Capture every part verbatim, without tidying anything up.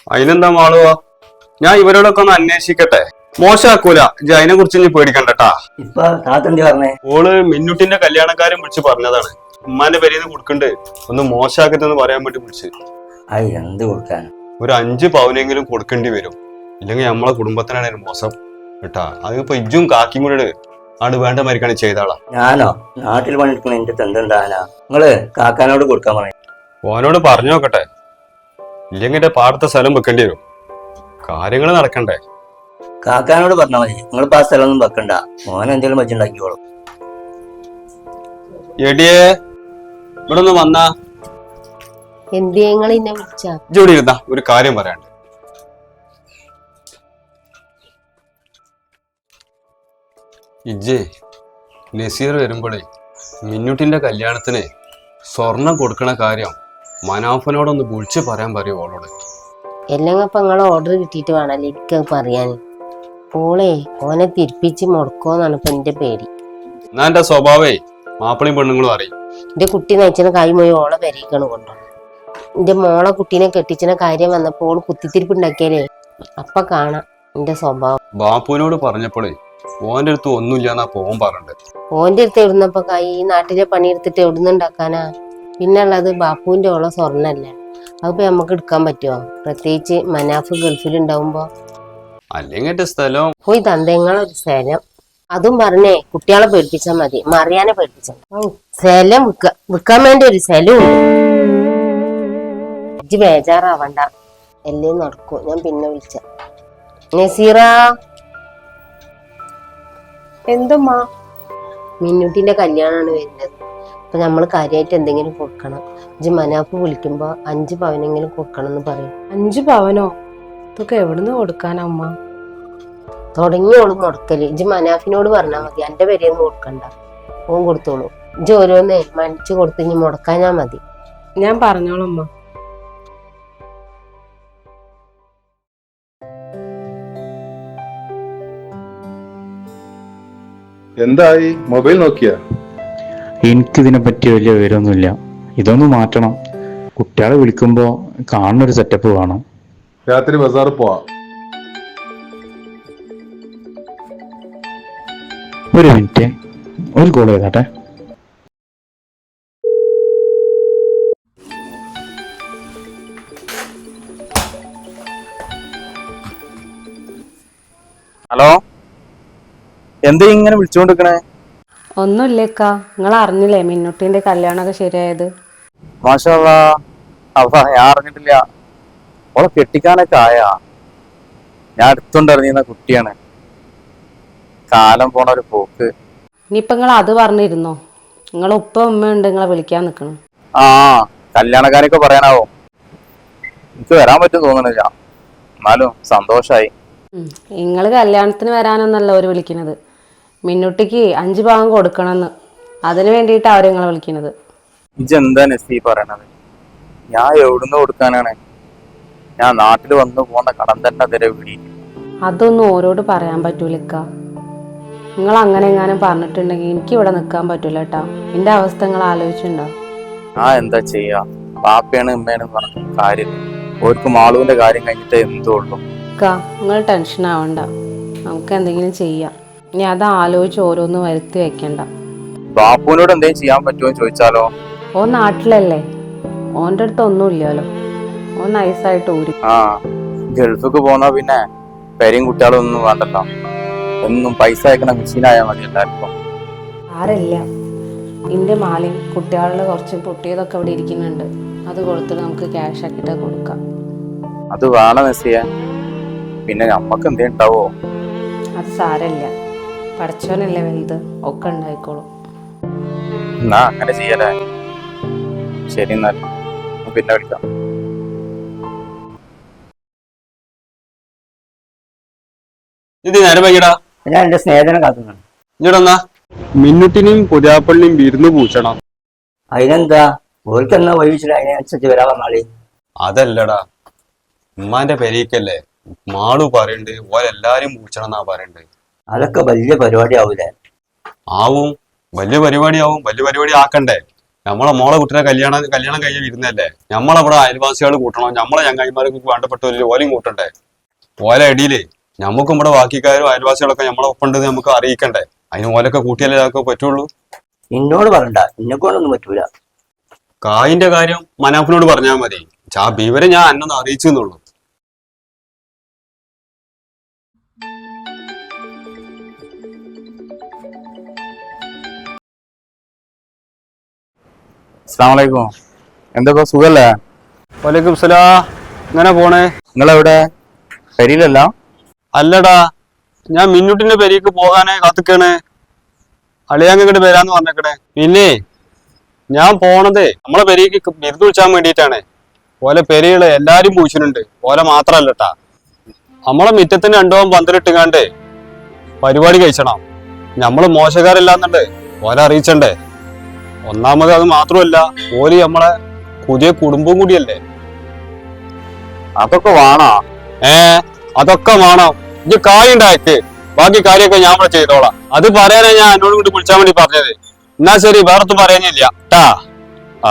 അതിനെന്താ മാളുവാ, ഞാൻ ഇവരോടൊക്കെ ഒന്ന് അന്വേഷിക്കട്ടെ. മോശമാക്കൂല, ഇജ്ജ് അതിനെ കുറിച്ച് ഇനി പേടിക്കണ്ടട്ടാ. ഇപ്പൊ താത്തന്തി പറഞ്ഞേ ഓള് മിന്നുട്ടിന്റെ കല്യാണക്കാരൻ വിളിച്ച് പറഞ്ഞതാണ്. ഉമ്മാന്റെ പേരിന്ന് കൊടുക്കണ്ട്, ഒന്ന് മോശമാക്കരുതെന്ന് പറയാൻ വേണ്ടി വിളിച്ച്. അത് എന്ത് കൊടുക്കാൻ? ഒരു അഞ്ച് പവനെങ്കിലും കൊടുക്കേണ്ടി വരും, ഇല്ലെങ്കിൽ നമ്മളെ കുടുംബത്തിനാണ് ഒരു മോശം കേട്ടാ. അതിപ്പോ ഇജ്ജും കാക്കിയും കൂടെ ആണ് വേണ്ട മരിക്കാണ് ചെയ്താളാ. ഞാനോ നാട്ടിൽ പണിയെടുക്കണ എന്റെ തെന്തെന്താനാ? നിങ്ങള് കാക്കാനോട് കൊടുക്കാൻ പറയും. ഓനോട് പറഞ്ഞു നോക്കട്ടെ, ഇല്ലെങ്കിൽ എന്റെ പാടത്തെ സ്ഥലം വെക്കേണ്ടി വരും. കാര്യങ്ങൾ നടക്കണ്ടേ. കാക്കാനോട് പറഞ്ഞാൽ മതി, നിങ്ങളിപ്പോ ആ സ്ഥലമൊന്നും വെക്കണ്ട, മോൻ എന്തെങ്കിലും വെച്ചുണ്ടാക്കിക്കോളും. എടിയേ, ഇവിടെ ഒന്ന് വന്നാ. എന്തിയങ്ങൾ എന്നെ വിളിച്ച? ജോലി ഇരുന്നാ, ഒരു കാര്യം പറയാണ്ട്. ഇജ്ജേ നസീർ വരുമ്പോഴേ മിന്നുട്ടിന്റെ കല്യാണത്തിന് സ്വർണം കൊടുക്കണ കാര്യം മനാഫനോടൊന്ന് വിളിച്ച് പറയാൻ പറയൂ ഓളോട്. എല്ലാം ഇപ്പൊ നിങ്ങളെ ഓർഡർ കിട്ടിയിട്ട് വേണല്ലേ എനിക്ക് പറയാൻ. ഓളെ ഓനെ തിരിപ്പിച്ച് മുടക്കോന്നാണ് ഇപ്പൊ എന്റെ പേടി. എന്നാ എന്റെ സ്വഭാവേ മാപ്പിളയും പെണ്ണുങ്ങളും അറിയും. എന്റെ കുട്ടി നയിച്ചന കാര്യം പോയി ഓളെ പെരീക്കാണ് കൊണ്ടുപോകുന്നത്. എന്റെ മോളെ കുട്ടീനെ കെട്ടിച്ചന കാര്യം വന്നപ്പോൾ ഓള് കുത്തിത്തിരിപ്പ് ഉണ്ടാക്കിയാലേ അപ്പൊ കാണാം എന്റെ സ്വഭാവം. ബാപ്പുവിനോട് പറഞ്ഞപ്പോഴേ ഓന്റെ അടുത്ത് ഒന്നുമില്ലാന്നാ പോൻ പറഞ്ഞത്. ഓന്റെ അടുത്ത് എവിടുന്നപ്പോ കൈ ഈ നാട്ടിലെ പണിയെടുത്തിട്ട് എവിടുന്ന് ഉണ്ടാക്കാനാ? പിന്നെ ഉള്ളത് ബാപ്പുവിന്റെ ഓളെ സ്വർണ്ണല്ലേ, അതിപ്പോ നമുക്ക് എടുക്കാൻ പറ്റുമോ? പ്രത്യേകിച്ച് മനാഫ് ഗൾഫിലുണ്ടാവുമ്പോ. അല്ലെങ്കിൽ സ്ഥലം പോയി തന്തങ്ങളൊരു സ്ഥലം അതും പറഞ്ഞേ കുട്ടികളെ പേടിപ്പിച്ചാൽ മതി, മറിയാനെ പേടിപ്പിച്ച സ്ഥലം വിൽക്ക വിൽക്കാൻ വേണ്ടി ഒരു സ്ഥലം ഉണ്ട്. ഇജ്ജ് ബേജാറാവണ്ട, എല്ലേ നടക്കും. ഞാൻ പിന്നെ വിളിച്ച. നസീറ, എന്തുമ്മാ? മിന്നുട്ടിന്റെ കല്യാണമാണ് വരുന്നത്. അപ്പൊ നമ്മള് കാര്യമായിട്ട് എന്തെങ്കിലും കൊടുക്കണം. ഇജ്ജ് മനാഫ് വിളിക്കുമ്പോ അഞ്ച് പവനെങ്കിലും കൊടുക്കണം എന്ന് പറയും. അഞ്ചു പവനോ? ഇതൊക്കെ എവിടുന്ന് കൊടുക്കാനാ അമ്മ? തുടങ്ങിയോളും മുടക്കല്. ഇജ്ജ് മനാഫിനോട് പറഞ്ഞാൽ മതി, എന്റെ പേരെയൊന്നും കൊടുക്കണ്ട, ഓൻ കൊടുത്തോളൂ. ഇജ്ജ് ഓരോന്നേ മനസ്സ് കൊടുത്ത് ഇനി മുടക്കാഞ്ഞാ മതി. ഞാൻ പറഞ്ഞോളാം അമ്മ. എന്തായി, മൊബൈൽ നോക്കിയ? എനിക്കിതിനെ പറ്റി വലിയ വിവരമൊന്നുമില്ല. ഇതൊന്ന് മാറ്റണം. കുട്ടികളെ വിളിക്കുമ്പോ കാണുന്നൊരു സെറ്റപ്പ് വേണം. രാത്രി ബസാറിൽ പോവാ. ഒരു മിനിറ്റ്, ഒരു കോൾ ചെയ്താട്ടെ. ഹലോ, എന്താ ഇങ്ങനെ വിളിച്ചുകൊണ്ടിരിക്കണേ? ഒന്നുമില്ലേക്കാ, നിങ്ങൾ അറിഞ്ഞില്ലേ മിന്നുട്ടിന്റെ കല്യാണമൊക്കെ ശരിയായത്? മാഷാ അല്ലാ, അപ്പൊ ഞാൻ അറിഞ്ഞിട്ടില്ല. ഓളെ കെട്ടിക്കാനൊക്കെ ആയാ? ഞാൻ അടുത്തുണ്ടറിഞ്ഞിരുന്ന കുട്ടിയാണ്. കാലം പോണ ഒരു പോക്ക്. ഇനിയിപ്പൊ നിങ്ങൾ അത് പറഞ്ഞിരുന്നോ? നിങ്ങളെ ഉപ്പ ഉമ്മ ഉണ്ട് നിങ്ങളെ വിളിക്കാൻ നിക്കണം. ആ കല്യാണക്കാരൊക്കെ പറയാനാവോ? എനിക്ക് വരാൻ പറ്റും തോന്നണില്ല, എന്നാലും സന്തോഷായി. നിങ്ങൾ കല്യാണത്തിന് വരാനൊന്നല്ല അവര് വിളിക്കുന്നത്, മിന്നുട്ടിക്ക് അഞ്ചു ഭാഗം കൊടുക്കണമെന്ന്. അതിന് വേണ്ടിയിട്ടാണ് അവര് നിങ്ങളെ വിളിക്കുന്നത്. ഇജെന്താ നസീ പറയണത്? ഞാൻ എവിടുന്ന് കൊടുക്കാനാണ്? ഞാൻ നാട്ടിൽ വന്നു പോന്ന കടം തന്നെ അതിരെ വിടി. അതൊന്നും ഓരോട് പറയാൻ പറ്റൂലക്ക. നിങ്ങൾ അങ്ങനെ എങ്ങാനും പറഞ്ഞിട്ടുണ്ടെങ്കിൽ എനിക്ക് ഇവിടെ നിൽക്കാൻ പറ്റൂല കേട്ടാ. എന്റെ അവസ്ഥ നിങ്ങൾ ആലോചിച്ചിട്ടുണ്ടോ? ആ എന്താ ചെയ്യാ, ബാപ്പയാണ് ഉമ്മയാണ് പറഞ്ഞ കാര്യം. ഓർക്ക് മാളുവിന്റെ കാര്യം കഴിഞ്ഞിട്ട് എന്തോ ഉള്ളു. അക്ക നിങ്ങൾ ടെൻഷൻ ആവണ്ട, നമുക്ക് എന്തെങ്കിലും ചെയ്യാം. ഇനി അത് ആലോചിച്ച് ഓരോന്ന് വരുത്തി വെക്കണ്ട. ബാപ്പുവിനോട് എന്തെങ്കിലും ചെയ്യാൻ പറ്റുമോ ചോദിച്ചാലോ? ഓൻ നാട്ടിലല്ലേ, ഓൻ്റെ അടുത്ത് ഒന്നുമില്ലല്ലോ. ഓൻ നൈസായിട്ട് ഊരി. ആ ഗൾഫിക്ക് പോന്നാ പിന്നെ പെരയും കുട്ടികളും ഒന്നും വേണ്ടല്ലോ, ഒന്നും പൈസ അയക്കണ മെഷീനായാൽ മതി എല്ലാവർക്കും. ആരല്ല, എൻ്റെ മാലയും കുട്ടികളുടെ കുറച്ച് പൊട്ടിയതൊക്കെ ഇവിടെ ഇരിക്കുന്നുണ്ട്, അത് കൊടുത്തിട്ട് നമുക്ക് ക്യാഷ് ആക്കിയിട്ട് കൊടുക്കാം. അത് വേണം നസിയ, പിന്നെ നമ്മക്ക് എന്തേ ഉണ്ടാവോ? അത് സാരല്ല, പഠിച്ചവനല്ലേ വലുത്, ഒക്കെ ഉണ്ടായിക്കോളും. എന്നാ അങ്ങനെ ചെയ്യലേ. ശരി, എന്നാൽ പിന്നെ വിളിക്കാം. ഇത് നേരം വൈകിടാ, ഞാൻ എന്റെ സ്നേഹത്തിനെ കാത്തുന്നാണ്. ഇങ്ങോട്ടെന്നാ. മിന്നുട്ടിനെയും പുതിയാപ്പള്ളിയും വിരുന്ന് പൂച്ചണം. അതിനെന്താ, ഓർക്ക് എന്നാ വഴിച്ചിട്ട് അതിനനുസരിച്ച് വരാൻ വന്നാളി. അതല്ലടാ, ഉമ്മാന്റെ പെരീക്കല്ലേ, മാളു പറയണ്ട് ഓരെല്ലാരും പൂച്ചണം എന്നാ പറയണ്ട്. അതൊക്കെ വലിയ പരിപാടി ആവൂലേ? ആവും, വലിയ പരിപാടി ആവും. വലിയ പരിപാടി ആക്കണ്ടേ? നമ്മളെ മോളെ കുട്ടിനെ കല്യാണം കല്യാണം കഴിഞ്ഞ് വരുന്നല്ലേ, നമ്മളവിടെ അയൽവാസികൾ കൂട്ടണം, നമ്മളെ ചങ്ങായിമാർക്ക് വേണ്ടപ്പെട്ടവരിൽ ഓലയും കൂട്ടണ്ടേ. ഓല ഇടയില് നമുക്കും ഇവിടെ ബാക്കിക്കാരും അയൽവാസികളൊക്കെ നമ്മളെ ഒപ്പുണ്ടെന്ന് നമുക്ക് അറിയിക്കണ്ടേ. അതിന് ഓലൊക്കെ കൂട്ടിയാലേ അതൊക്കെ പറ്റുള്ളൂ. എന്നോട് പറയണ്ട, എന്നെ കൊണ്ടൊന്നും പറ്റൂല. കായിന്റെ കാര്യം മനാഫിനോട് പറഞ്ഞാൽ മതി. ആ ബീവരെ ഞാൻ അന്നൊന്ന് അറിയിച്ചെന്നുള്ളൂ. അസ്സലാമലൈക്കും. എന്താ സുഖല്ലേ? വലൈക്കും സലാം. ഇങ്ങനെ പോണേ. നിങ്ങളെവിടെ? പെരിയിലല്ല? അല്ലടാ, ഞാൻ മിന്നുട്ടിന്റെ പെരിക്ക് പോകാനേ കാത്തിക്കണേ. അളിയാങ്ങട്ട് വരാന്ന് പറഞ്ഞേക്കണേ. പിന്നെ ഞാൻ പോണതേ നമ്മളെ പെരിക്ക് ബിരുദ വിളിച്ചാൻ വേണ്ടിയിട്ടാണ്. ഓലെ പെരികള് എല്ലാരും പൂച്ചിട്ടുണ്ട്, ഓലെ മാത്രല്ലട്ടാ. നമ്മളെ മുറ്റത്തിന് രണ്ടോം പന്തലിട്ടുകാണ്ട് പരിപാടി കഴിച്ചണം. നമ്മള് മോശക്കാരല്ലാന്നുണ്ട് ഓലെ അറിയിച്ചണ്ടേ. ഒന്നാമത് അത് മാത്രമല്ല, ഓല് നമ്മളെ പുതിയ കുടുംബം കൂടിയല്ലേ. അതൊക്കെ വേണോ? ഏ അതൊക്കെ വേണം. ഇത് കായുണ്ടാക്ക്, ബാക്കി കാര്യമൊക്കെ ഞാൻ ഇവിടെ ചെയ്തോളാം. അത് പറയാനാ ഞാൻ എന്നോട് കൂടി വിളിച്ചാൻ വേണ്ടി പറഞ്ഞത്. എന്നാ ശരി, വേറൊന്നും പറയാനില്ല ട്ടാ. ആ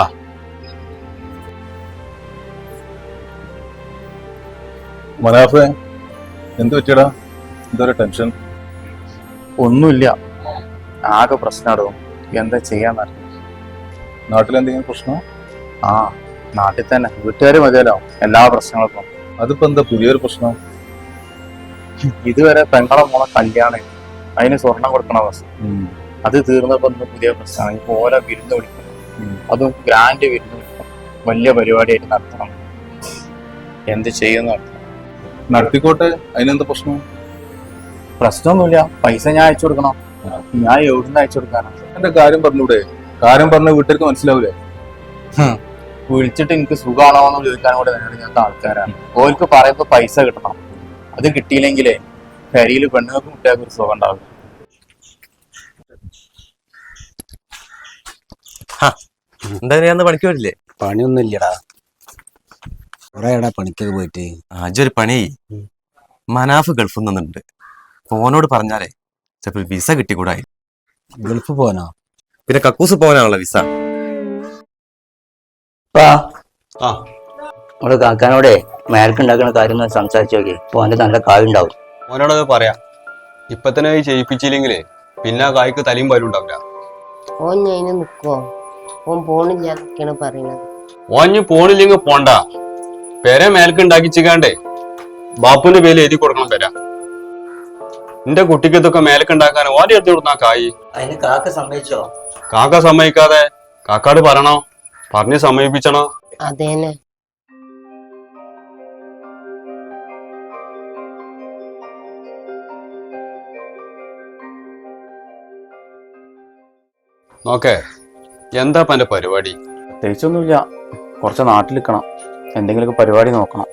മനാഫ്, എന്ത് പറ്റിയടാ? എന്തൊരു ടെൻഷൻ? ഒന്നുമില്ല, ആകെ പ്രശ്നമാടും. എന്താ ചെയ്യാന്നറിയാം. നാട്ടിലെന്തെങ്കിലും പ്രശ്നം? ആ, നാട്ടിൽ തന്നെ വീട്ടുകാർ മതിയല്ലോ എല്ലാ പ്രശ്നങ്ങൾക്കും. അതിപ്പോ എന്താ പുതിയൊരു പ്രശ്നം? ഇതുവരെ പെങ്ങളെ മോളെ കല്യാണം, അതിന് സ്വർണം കൊടുക്കണ അവസ്ഥ. അത് തീർന്നപ്പോ ഇന്ന് പുതിയ പ്രശ്നമാണ്. ഇപ്പൊ ഓരോ വിരുന്ന് വിളിക്കണം, അതും ഗ്രാൻഡ് വിരുന്ന് വിളിക്കണം, വലിയ പരിപാടിയായിട്ട് നടത്തണം. എന്ത് ചെയ്യുന്ന നടത്തിക്കോട്ടെ, അതിനെന്താ പ്രശ്നം? പ്രശ്നമൊന്നുമില്ല. പൈസ ഞാൻ അയച്ചു കൊടുക്കണം. ഞാൻ എവിടുന്ന് അയച്ചു കൊടുക്കാനാണ്? എന്റെ കാര്യം പറഞ്ഞൂടെ? കാര്യം പറഞ്ഞ വീട്ടുകാർക്ക് മനസ്സിലാവൂലേ? വിളിച്ചിട്ട് എനിക്ക് സുഖമാണോ എന്ന് ചോദിക്കാൻ കൂടെ നേരിടുന്ന ആൾക്കാരാണ്. ഓർക്ക് പറയുമ്പോ പൈസ കിട്ടണം. അത് കിട്ടിയില്ലെങ്കിലേ കരിയിൽ പെണ്ണുങ്ങൾക്ക് കുട്ടികൾക്ക് ഒരു സുഖം ഉണ്ടാവില്ല. എന്താ ഞാൻ പണിക്ക് പോയില്ലേ? പണിയൊന്നും ഇല്ലടാ, കൊറേ എടാ പണിക്കൊക്കെ പോയിട്ട്. അജൊരു പണി, മനാഫ് ഗൾഫിൽ നിന്നുണ്ട്. ഫോനോട് പറഞ്ഞാലേ ചിലപ്പോൾ വിസ കിട്ടിക്കൂടായി. ഗൾഫ് പോകാനോ? പിന്നെ കക്കൂസ് പോകാനാണല്ലോ വിസ. ആ നമ്മള് കാക്കാനോടെ മേൽക്കുണ്ടാക്കുന്ന കാര്യം ഒന്ന് സംസാരിച്ചു നോക്കി. അപ്പൊ അവന്റെ നല്ല കായുണ്ടാവും. ഓനോടത് പറയാം. ഇപ്പൊ തന്നെ ചെയ്യിപ്പിച്ചില്ലെങ്കിലേ പിന്നെ ആ കായ്ക്ക് തലയും പാലും ഉണ്ടാവില്ല. ഓൻ ഞാൻ നിക്കുവോ? ഓൻ പോണില്ല എന്നൊക്കെയാണ് പറയണത്. ഓഞ്ഞ് പോണില്ലെങ്കിൽ പോണ്ട. പെര മേൽക്ക് ഉണ്ടാക്കിച്ചിക്കാണ്ടേ ബാപ്പുവിന്റെ പേര് എഴുതി കൊടുക്കണം പെര. എന്റെ കുട്ടിക്ക് ഇതൊക്കെ മേലക്ക് ഉണ്ടാക്കാൻ ഓൻ്റെ എടുത്ത് കൊടുത്താ കായ്. അതിന് കാക്ക സമ്മതിച്ചോ? കാക്ക സമ്മതിക്കാതെ കാക്കാട് പറയണോ, പറഞ്ഞ് സമ്മതിപ്പിച്ചണോ? അതേനെ. നോക്കേ, എന്താ എന്റെ പരിപാടി? പ്രത്യേകിച്ചൊന്നുമില്ല, കുറച്ച് നാട്ടിൽ നിൽക്കണം, എന്തെങ്കിലുമൊക്കെ പരിപാടി നോക്കണം.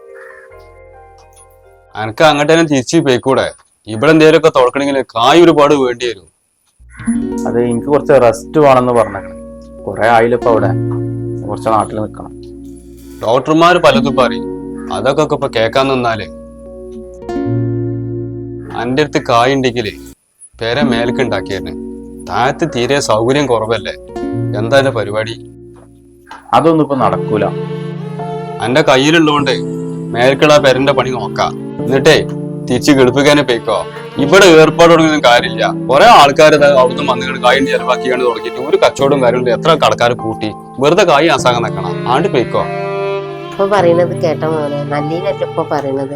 എനക്ക് അങ്ങോട്ട് തന്നെ തിരിച്ചു പോയിക്കൂടെ? ഇവിടെ എന്തേലുമൊക്കെ തുറക്കണമെങ്കിൽ കായ് ഒരുപാട് വേണ്ടി വരും. അത് എനിക്ക് കുറച്ച് റെസ്റ്റ് വേണമെന്ന് പറഞ്ഞേക്കണം. കുറെ ആയില്ലപ്പോ അവിടെ, കുറച്ച് നാട്ടിൽ നിൽക്കണം. ഡോക്ടർമാര് പലതും പറയും, അതൊക്കെ ഇപ്പൊ കേക്കാൻ നിന്നാലേ. എന്റെ അടുത്ത് കായ് ഉണ്ടെങ്കിലേ പേര മേലക്ക് ഉണ്ടാക്കിയേനെ. താഴത്ത് തീരെ സൗകര്യം കുറവല്ലേ. എന്താ എന്റെ പരിപാടി? അതൊന്നും ഇപ്പൊ നടക്കൂല. എന്റെ കയ്യിലുള്ളതുകൊണ്ട് മേൽക്കുള്ള പേരന്റെ പണി നോക്കാം. എന്നിട്ടേ തിരിച്ച് ഗൾപ്പിക്കാനെ പോയിക്കോ. ഇവിടെ ഏർപ്പാട് തുടങ്ങിയൊന്നും കാര്യമില്ല. കുറെ ആൾക്കാർ അവിടുന്ന് വന്നുകൊണ്ട് കായും ചെലവാക്കിയാണ് തുടങ്ങിയിട്ട് ഒരു കച്ചവടവും കാര്യമില്ല. എത്ര കടക്കാർ കൂട്ടി വെറുതെ കായ് ആസാകാൻ നിൽക്കണം. ആണ്ട് പോയിക്കോ. ഇപ്പൊ പറയണത് കേട്ട മോനെ, നല്ലീനല്ല ഇപ്പൊ പറയണത്.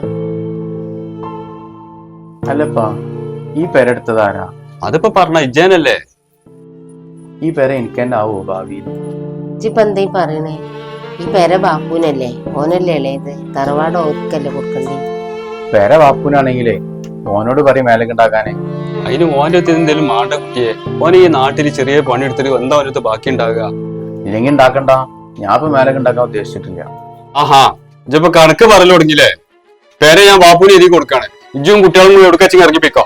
അല്ലപ്പാ, ഈ പെരെടുത്തതാരാ? അതിപ്പോ പറഞ്ഞ ഇജ്ജാനല്ലേ. ഈ പെര എനിക്ക് തന്നെ ആവോ ഭാവിയിൽ? ഇജ്ജിപ്പ എന്താ ഈ പറയണേ? ഈ പെര ബാപ്പൂനല്ലേ, ഓനല്ലേ ഇളയത്. തറവാട് ഓർക്കല്ലേ കൊടുക്കണ്ടേ? പെര ബാപ്പൂനാണെങ്കിലേ ഓനോട് പറയും മേലക്ക് ഉണ്ടാക്കാനേ. അതിന് ഓൻ്റെ അടുത്ത് എന്തെങ്കിലും മാണ്ട കുട്ടിയെ. ഓന് ഈ നാട്ടിൽ ചെറിയ പണി എടുത്തിട്ട് എന്താ ഓനടുത്ത് ബാക്കി ഉണ്ടാകുക? ഇല്ലെങ്കിൽ ഉണ്ടാക്കണ്ട, ഞാൻ ഇപ്പൊ മേലക്ക് ഉണ്ടാക്കാൻ ഉദ്ദേശിച്ചിട്ടില്ല. ആഹാ, ഇജ്ജിപ്പോ കണക്ക് പറയൽ തുടങ്ങിയില്ലേ? പേരെ ഞാൻ ബാപ്പൂന് എഴുതി കൊടുക്കാണ്. ഇജ്ജും കുട്ടികളും കൂടി എടുക്കച്ചി ഇറങ്ങിപ്പിക്കോ.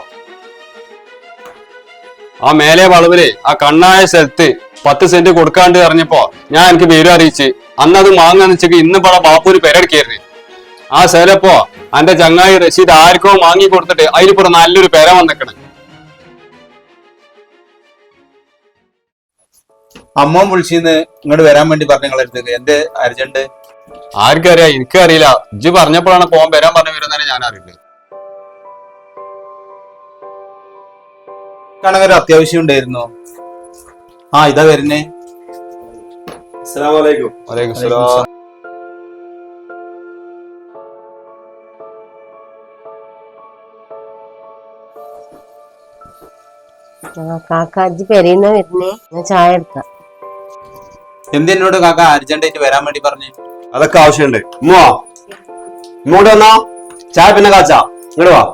ആ മേലെ വളവില് ആ കണ്ണായ സ്ഥലത്ത് പത്ത് സെന്റ് കൊടുക്കാണ്ട് അറിഞ്ഞപ്പോ ഞാൻ എനിക്ക് പേര് അറിയിച്ച് അന്നത് വാങ്ങാന്ന് വെച്ചെങ്കിൽ ഇന്ന് പട ബാപ്പൂര് പെരടിക്കരുത്. ആ സ്ഥലപ്പോ എന്റെ ചങ്ങായി റഷീദ് ആർക്കോ വാങ്ങി കൊടുത്തിട്ട് അതിലിപ്പോ നല്ലൊരു പെര വന്നിക്കണ്. അമ്മോൻ വിളിച്ചിന്ന് ഇങ്ങോട്ട് വരാൻ വേണ്ടി പറഞ്ഞ നിങ്ങളെ അടുത്തേക്ക് എന്ത് അർജന്റ്? ആർക്കറിയാം, എനിക്കറിയില്ല. ഇജ്ജ് പറഞ്ഞപ്പോഴാണ് പോകാൻ വരാൻ പറഞ്ഞു വരുന്നതിന് ഞാൻ അറിയില്ല. കാണാൻ അത്യാവശ്യം ഉണ്ടായിരുന്നു. ആ ഇതാ വരുന്നേ. അസ്സലാമു അലൈക്കും. വലൈക്കും സലാം. ആ കാക്ക അജ്ജ് പെരയുന്ന വരുന്നേ, ഞാൻ ചായ എടുക്കാം. എന്തിനോട് കാക്ക അർജന്റ് ആയിട്ട് വരാൻ വേണ്ടി പറഞ്ഞു? അതൊക്കെ ആവശ്യമുണ്ട്. ഉമ്മോ ഇങ്ങോട്ട് വന്നോ, ചായ പിന്നെ കാച്ചാ. ഇങ്ങോട്ട് വാ.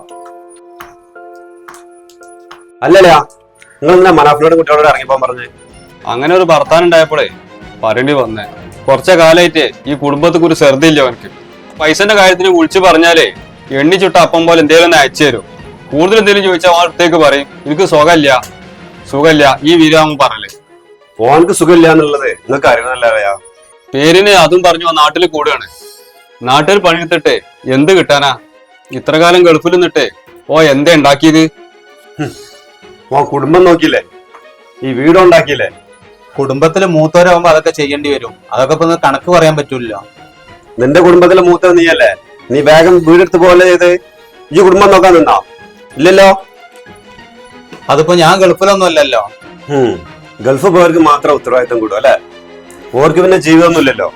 അല്ലല്ല, നിങ്ങൾ എന്താ മനാഫിനോട് കുട്ടികളോട് ഇറങ്ങിപ്പോൻ പറഞ്ഞേ? അങ്ങനെ ഒരു ഭർത്താൻ ഉണ്ടായപ്പോഴേ പറയേണ്ടി വന്നേ. കുറച്ച കാലായിട്ട് ഈ കുടുംബത്തിക്ക് ഒരു ശ്രദ്ധയില്ല അവനക്ക്. പൈസന്റെ കാര്യത്തിന് വിളിച്ചു പറഞ്ഞാലേ എണ്ണി ചുട്ട അപ്പം പോലെ എന്തെങ്കിലും ഒന്ന് അയച്ചു തരും. കൂടുതൽ എന്തെങ്കിലും ചോദിച്ചാൽ അവൻ അടുത്തേക്ക് പറയും എനിക്ക് സുഖമില്ല സുഖമില്ല ഈ വീരാമൻ പറയല്. ഓനക്ക് സുഖമില്ല എന്നുള്ളത് നിങ്ങൾക്ക് അറിയുന്നല്ല. പേരിന് അതും പറഞ്ഞു നാട്ടിൽ കൂടുകയാണ്. നാട്ടിൽ പണിയെടുത്തിട്ട് എന്ത് കിട്ടാനാ? ഇത്ര കാലം ഗൾഫിൽ നിന്നിട്ട് ഓ എന്താ ഉണ്ടാക്കിയത്? ഓ കുടുംബം നോക്കിയില്ലേ, ഈ വീടുണ്ടാക്കിയില്ലേ? കുടുംബത്തില് മൂത്തവരാകുമ്പോ അതൊക്കെ ചെയ്യേണ്ടി വരും. അതൊക്കെ ഇപ്പൊ ഒന്ന് കണക്ക് പറയാൻ പറ്റൂല. നിന്റെ കുടുംബത്തിലെ മൂത്തത് നീയല്ലേ? നീ വേഗം വീടെടുത്ത് പോലെ ചെയ്ത് ഈ കുടുംബം നോക്കാൻ നിന്നാ? ഇല്ലല്ലോ. അതിപ്പോ ഞാൻ ഗൾഫിലൊന്നും അല്ലല്ലോ. ഗൾഫ് പോയവർക്ക് മാത്രം ഉത്തരവാദിത്തം കൂടും അല്ലെ? ഓർക്ക് പിന്നെ ജീവിതമൊന്നുമില്ലല്ലോ.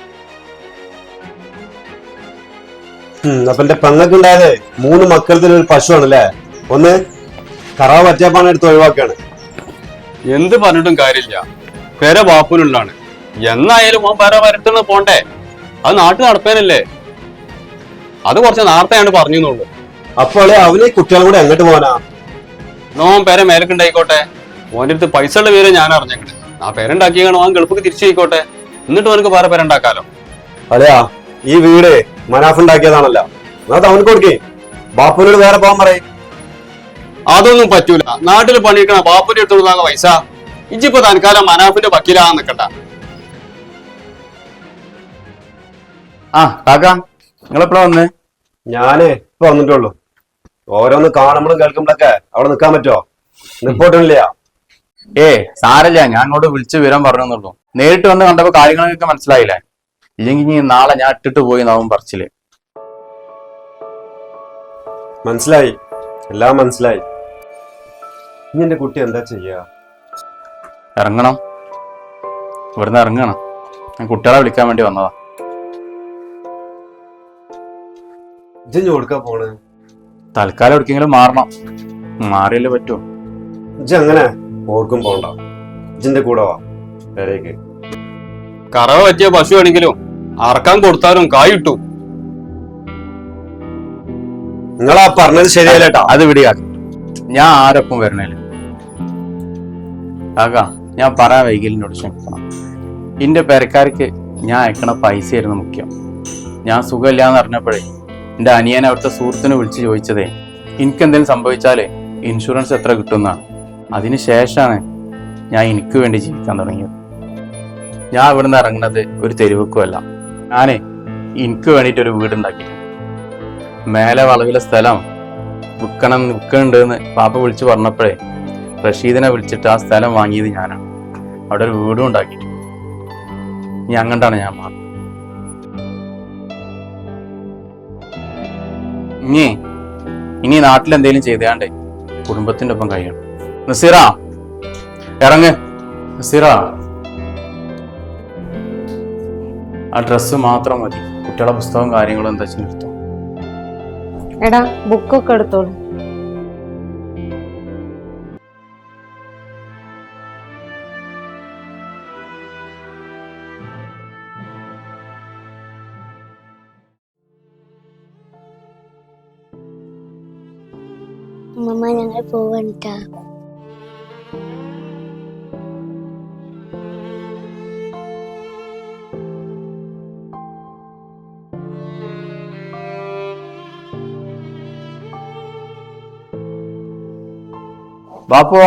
അപ്പൊ എന്റെ പെങ്ങക്കുണ്ടായത് മൂന്ന് മക്കളത്തിൽ ഒരു പശുവാണല്ലേ? ഒന്ന് കറാവ് പറ്റിയപ്പാണ് എടുത്ത് ഒഴിവാക്കാണ്. എന്ത് പറഞ്ഞിട്ടും കാര്യമില്ല, പെര ബാപ്പുനുള്ളാണ്. എന്നായാലും ഓൻ പെര വരട്ടുന്ന പോണ്ടേ? അത് നാട്ടിൽ നടപ്പേനല്ലേ? അത് കുറച്ച് നേരത്തെയാണ് പറഞ്ഞുള്ളൂ. അപ്പോൾ അവന് കുട്ടികളും കൂടെ എങ്ങോട്ട് പോകാനാ? നോൻ പേര മേലക്കുണ്ടായിക്കോട്ടെ. ഓൻ്റെ അടുത്ത് പൈസ ഉള്ള പേര് ഞാൻ അറിഞ്ഞേക്കട്ടെ. ആ പേരുണ്ടാക്കിയാണ് ഓൻ ഗൾഫിക്ക് തിരിച്ചു പോയിക്കോട്ടെ. എന്നിട്ട് അവനക്ക് വേറെ പേരുണ്ടാക്കാലോ. അതെയാ, ഈ വീട് മനാഫ് ഉണ്ടാക്കിയതാണല്ലോ, അത് അവനക്ക് കൊടുക്കേ. ബാപ്പുനോട് വേറെ പോകാൻ പറയും. അതൊന്നും പറ്റൂല. നാട്ടിൽ പണിയിക്കണ ബാപ്പുന്റെ അടുത്ത് കൊടുത്താൽ പൈസ ഇജിപ്പോ തൽക്കാലം മനാഫിന്റെ വക്കീലാകാൻ നിക്കണ്ട. ആ കാക്ക നിങ്ങളെപ്പോഴാ വന്നേ? ഞാന് ഇപ്പൊ വന്നിട്ടുള്ളൂ. ഓരോന്ന് കാണുമ്പോഴും കേൾക്കുമ്പോഴൊക്കെ അവിടെ നിൽക്കാൻ പറ്റുമോ? നിപ്പോട്ടില്ല. ഏ സാരല്ല, ഞാൻ അങ്ങോട്ട് വിളിച്ച് വിവരം പറഞ്ഞെന്നുള്ളൂ. നേരിട്ട് വന്ന് കണ്ടപ്പോ കാര്യങ്ങളൊക്കെ മനസ്സിലായില്ലേ? ഇല്ലെങ്കിൽ ഇനി നാളെ ഞാൻ ഇട്ടിട്ട് പോയി നാവും പറച്ചില്. മനസ്സിലായി, എല്ലാം മനസ്സിലായി. ഇനി എന്റെ കുട്ടി എന്താ ചെയ്യാ? ഇറങ്ങണം, ഇവിടുന്ന് ഇറങ്ങണം. ഞാൻ കുട്ടികളെ വിളിക്കാൻ വേണ്ടി വന്നതാ. ഇജ്ജ് കൊടുക്കാൻ പോണ്? തൽക്കാലം എവിടേക്കെങ്കിലും മാറണം. മാറിയല്ലേ പറ്റൂ. ഇജ്ജ് അങ്ങനെ ഓർക്കും പോണ്ട. ഇജ്ജിന്റെ കൂടെ വാ പേരേക്ക്. കറവ പറ്റിയ പശു ആണെങ്കിലും അറക്കാൻ കൊടുത്താലും കായിട്ടു. നിങ്ങളാ പറഞ്ഞത് ശരിയല്ലേട്ടാ. അത് വിടിയാക്ക, ഞാൻ ആരൊപ്പം വരണേല് കാക്ക. ഞാൻ പറയാൻ വൈകലിനോട് ക്ഷമിക്കണം. എന്റെ പെരക്കാർക്ക് ഞാൻ അയക്കണ പൈസയായിരുന്നു മുഖ്യം. ഞാൻ സുഖമില്ലാന്ന് അറിഞ്ഞപ്പോഴേ എന്റെ അനിയൻ അവിടുത്തെ സുഹൃത്തിനെ വിളിച്ച് ചോദിച്ചതേ എനിക്കെന്തെങ്കിലും സംഭവിച്ചാലേ ഇൻഷുറൻസ് എത്ര കിട്ടുമെന്നാണ്. അതിന് ശേഷമാണ് ഞാൻ എനിക്ക് വേണ്ടി ജീവിക്കാൻ തുടങ്ങിയത്. ഞാൻ ഇവിടുന്ന് ഇറങ്ങുന്നത് ഒരു തെരുവുക്കുമല്ല. ഞാനേ എനിക്ക് വേണ്ടിയിട്ടൊരു വീടുണ്ടാക്കി. മേലെ വളവിലെ സ്ഥലം വിൽക്കണം വിൽക്കണുണ്ടെന്ന് പാപ്പ വിളിച്ച് പറഞ്ഞപ്പോഴേ റഷീദിനെ വിളിച്ചിട്ട് ആ സ്ഥലം വാങ്ങിയത് ഞാനാണ്. അവിടെ ഒരു വീടും ഉണ്ടാക്കിയിട്ട് ഇനി അങ്ങോട്ടാണ് ഞാൻ മാറുന്നത്. ഇനി ഇനി നാട്ടിൽ എന്തെങ്കിലും ചെയ്താണ്ടേ കുടുംബത്തിന്റെ ഒപ്പം കഴിയണം. നസീറ ഇറങ്ങ്. നസീറ ആ ഡ്രസ്സ് മാത്രം മതി. കുട്ടികളെ പുസ്തകവും കാര്യങ്ങളും എന്താ വെച്ചാൽ എടുത്തോ. എടാ ബുക്കൊക്കെ എടുത്തോളൂ. അമ്മ ഞങ്ങൾ പോവണ്ടാ. ബാപ്പു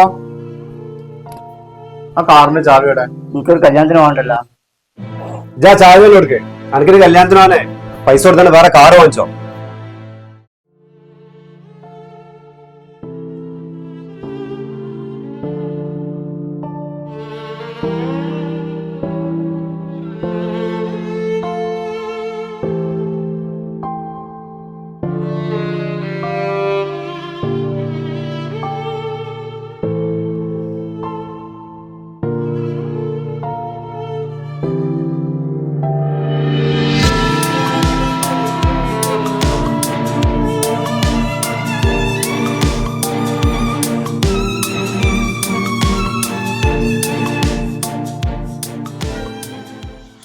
ആ കാറിന്റെ ചാവിയുടെ എനിക്കൊരു കല്യാണത്തിന് പോകണ്ടല്ലോ. ഇജാ ചായ കൊടുക്ക്. എനിക്കൊരു കല്യാണത്തിനാണേ പൈസ കൊടുത്താൽ വേറെ കാറ് വാങ്ങിച്ചോ. Thank you.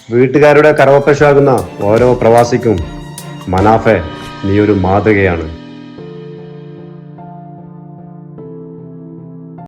വീട്ടുകാരുടെ കറവപ്പശാകുന്ന ഓരോ പ്രവാസിക്കും മനാഫെ നീ ഒരു മാതൃകയാണ്.